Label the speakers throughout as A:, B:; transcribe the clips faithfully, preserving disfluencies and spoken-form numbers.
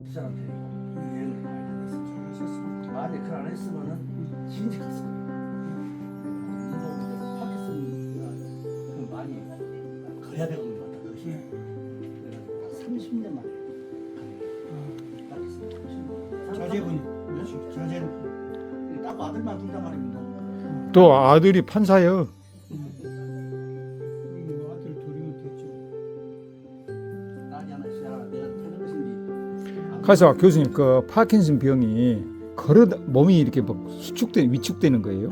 A: 그 사람들이 여행을 많이 다녔었죠. 만약에 그걸 안 했으면은 진짜 갔을 거예요. 운동을 파키스탄 그 많이 거야 되는 것 같다. 그것이 그래가지고 삼십 년 만에 파키스탄 삼십 년.
B: 자제분, 자제분.
A: 딱 아들만 둔단 말입니다.
C: 또 아들이 판사요.
B: 뭐 아들 둘이면 됐죠.
A: 딸이 하나 있어야 내가 태는 것인지.
C: 가서 교수님 그 파킨슨 병이 걸어 몸이 이렇게 막 수축돼 위축되는 거예요?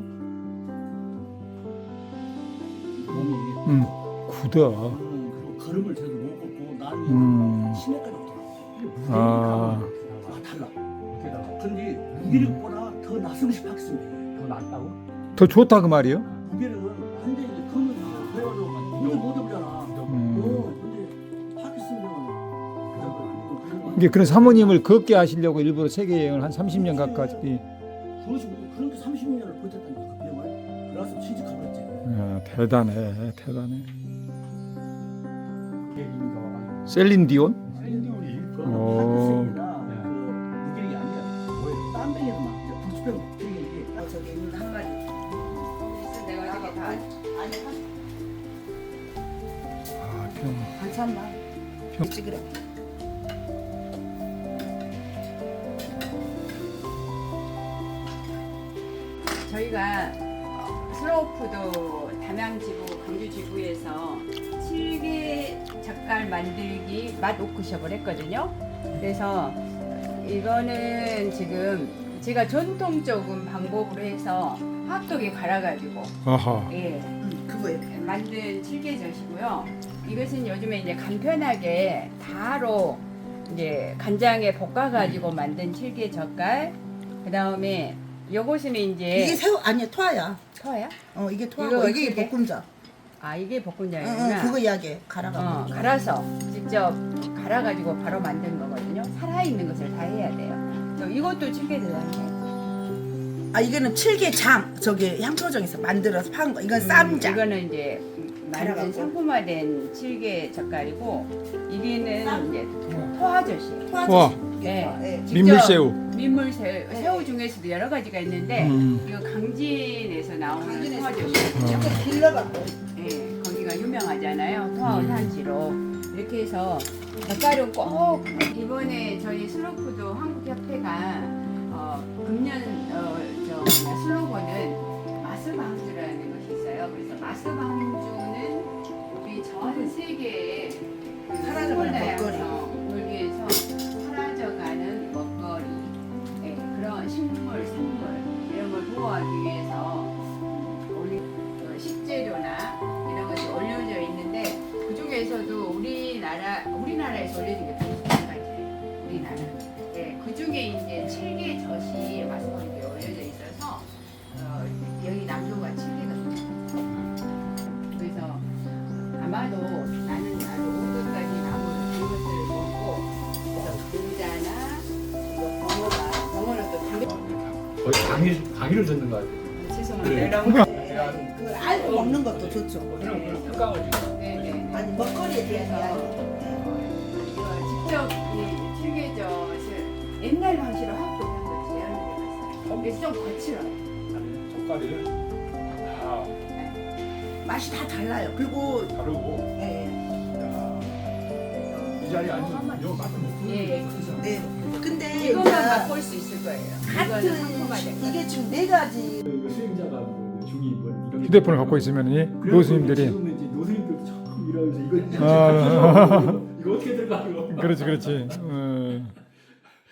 A: 몸이
C: 음, 굳어.
A: 음, 그리고 걸음을 제대로 못 걷고 나중에
C: 음.
A: 치매까지 오더라고.
C: 아.
A: 아 달라. 게다가 근데 무기력보다 더 낫음시 파키스탄이 더 낫다고?
C: 더 좋다 그 말이요?
A: 무기력은 완전히 그는 그래가지고 무기 못 해보잖아.
C: 음.
A: 어, 근데 파키스탄은 그 정도.
C: 이게 그런 사모님을 걷게 하시려고 일부러 세계 여행을 한 삼십 년 가까이.
A: 그것이 그렇게 삼십 년을 버텼다니까 그 병을. 그래서 취직하고 했지.
C: 아, 대단해, 대단해. 셀린 디온?
A: 그
C: 어.
A: 파키스탄이나 그 무기력이 아니야. 뭐예요? 땀 병에도 막 이제 불치병 병이
D: 어, 저기 있는 한 마리. 그래서 내가 이렇게 다 아니
C: 아, 병.
D: 반찬만. 그렇지 그래. 저희가 어, 슬로우푸드 담양지부 광주지부에서 칠개 젓갈 만들기 맛 워크숍을 했거든요. 그래서 이거는 지금 제가 전통적인 방법으로 해서 핫도그에 갈아가지고
C: 아하.
D: 예,
A: 그거예요.
D: 만든 칠개젓이고요. 이것은 요즘에 이제 간편하게 바로 이제 간장에 볶아가지고 만든 칠개젓갈. 그 다음에 요것은 이제
E: 이게 새우 아니야 토아야.
D: 토야?
E: 어 이게 토하고
D: 이거
E: 이게
D: 어떻게?
E: 볶음자.
D: 아 이게
E: 응,
D: 볶음장이구나.
E: 응, 그거 이야기 갈아가.
D: 어,
E: 어,
D: 갈아서 직접 갈아가지고 바로 만든 거거든요. 살아있는 것을 다 해야 돼요. 또 이것도 칠개젓이네.
E: 아 이거는 칠개장 저기 향토정에서 만들어서 판 거. 이건 쌈장.
D: 이거는 이제 만든
E: 갈아갖고.
D: 상품화된 칠개 젓갈이고 이게는 이제 토화젓이에요.
E: 토아젓.
C: 와.
D: 네.
E: 예.
D: 직접
C: 민물새우.
D: 민물새우 새우 중에서도 여러 가지가 있는데
C: 음.
D: 이거 강진에서 나오는
E: 강진에서
D: 토화젓이거든요.
E: 이렇게 길러갖고.
D: 예, 거기가 유명하잖아요. 토화
C: 음.
D: 산지로. 이렇게 해서 젓갈은 꼭 이번에 저희 슬로푸드 한국협회가 어, 금년 어, 저 슬로건은 마스방주라는 것이 있어요. 그래서 마스방주는 우리 전 세계에
E: 사라져가는 먹거리.
D: 을 위해서 사라져가는 먹거리, 예, 그런 식물, 생물 이런 걸 보호하기 위해서 올리 어, 식재료나 이런 것이 올려져 있는데 그 중에서도 우리나라 우리나라에서 올려진 게 백십팔 가지예요. 우리나라. 예, 그 중에 이제 칠개 젓이 마스방주에 올려져 있어서 어, 여기 남도가 칠개거든요. 그래서 아마도 나는 나도 온갖가지 나무를 이것을 먹고 그래서 감자나 이거 버섯가 버섯은 또 담배
F: 거의 강의, 강의를 듣는 것 같아요.
D: 죄송합니다.
E: 네. 그 알고 먹는 것도 좋죠.
F: 그냥 특강을 지금.
D: 네네.
E: 아니 먹거리에 대한 이야기.
D: 이거 직접 이 칠개젓을 옛날 방식으로 하고 있는 걸 제안을 해봤어요. 그래서 좀 거칠어요.
F: 젓갈이 다
E: 맛이 다 달라요. 그리고
F: 다르고
E: 예,
F: 이 자리에 앉으면 이거 맛을 못 보는
D: 예.
F: 게 크잖아.
E: 네. 근데
D: 이것만
E: 이제
D: 맛볼 수 있을 거예요. 이거는 상품화된
E: 같은
D: 거.
E: 이게 지금 네 가지.
F: 이거 수행자가 뭐 중이 뭐 이런
C: 휴대폰을 갖고 있으면 이 교수님들이
F: 지금 이제 노선님들도 처음 일하면서 이거
C: 아.
F: 이거 어떻게 들어가 이거
C: 그렇지 그렇지. 어.